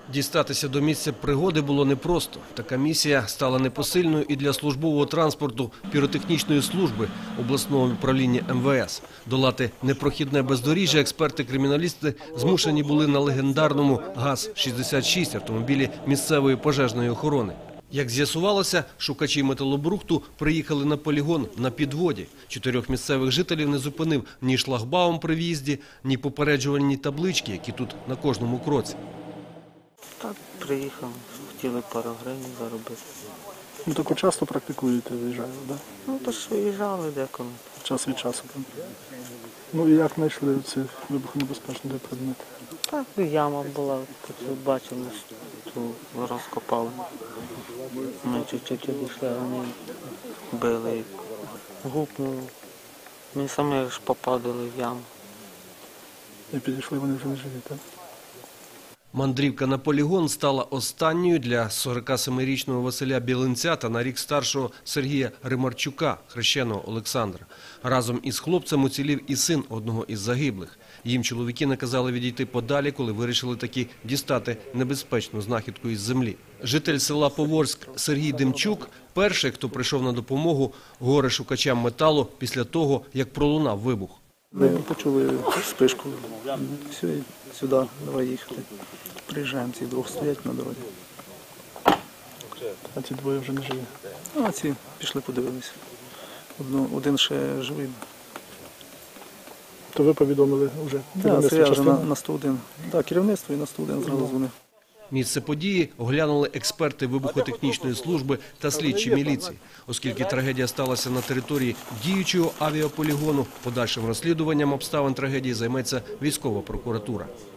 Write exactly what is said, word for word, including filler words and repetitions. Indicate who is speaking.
Speaker 1: Дістатися до місця пригоди було непросто. Така місія стала непосильною і для службового транспорту піротехнічної служби обласного управління ем ве ес. Долати непрохідне бездоріжжя експерти-криміналісти змушені були на легендарному ГАЗ шістдесят шість автомобілі місцевої пожежної охорони. Як з'ясувалося, шукачі металобрухту приїхали на полігон на підводі. Чотирьох місцевих жителів не зупинив ні шлагбаум при в'їзді, ні попереджувальні таблички, які тут на кожному кроці.
Speaker 2: Так, приїхав, хотіли пару гривень заробити.
Speaker 3: Ну, таку часто практикуєте, виїжджаєте, так? Да?
Speaker 2: Ну, то ж виїжджали деколи.
Speaker 3: Час від часу. Так? Ну, і як знайшли ці вибухонебезпечні предмети?
Speaker 2: Так, яма була, тут бачили, що розкопали. Ми чуть-чуть відійшли, а вони били, гупнули. Ми самі ж попадали в яму.
Speaker 3: І підійшли, вони вже не живі, так?
Speaker 1: Мандрівка на полігон стала останньою для сорокасемирічного Василя Білинця та на рік старшого Сергія Римарчука, хрещеного Олександра. Разом із хлопцем уцілів і син одного із загиблих. Їм чоловіки наказали відійти подалі, коли вирішили таки дістати небезпечну знахідку із землі. Житель села Поворськ Сергій Демчук – перший, хто прийшов на допомогу горе-шукачам металу після того, як пролунав вибух.
Speaker 3: Ми почули спишку. Все, сюди, давай їхати. Приїжджаємо, ці двох стоять на дорозі. А ці двоє вже не живі. А ці пішли подивилися. Один ще живий. То ви повідомили вже? Так, це я вже на, на сто один. Так, керівництво і на сто один зразу дзвонив.
Speaker 1: Місце події оглянули експерти вибухотехнічної служби та слідчі міліції. Оскільки трагедія сталася на території діючого авіаполігону, подальшим розслідуванням обставин трагедії займеться військова прокуратура.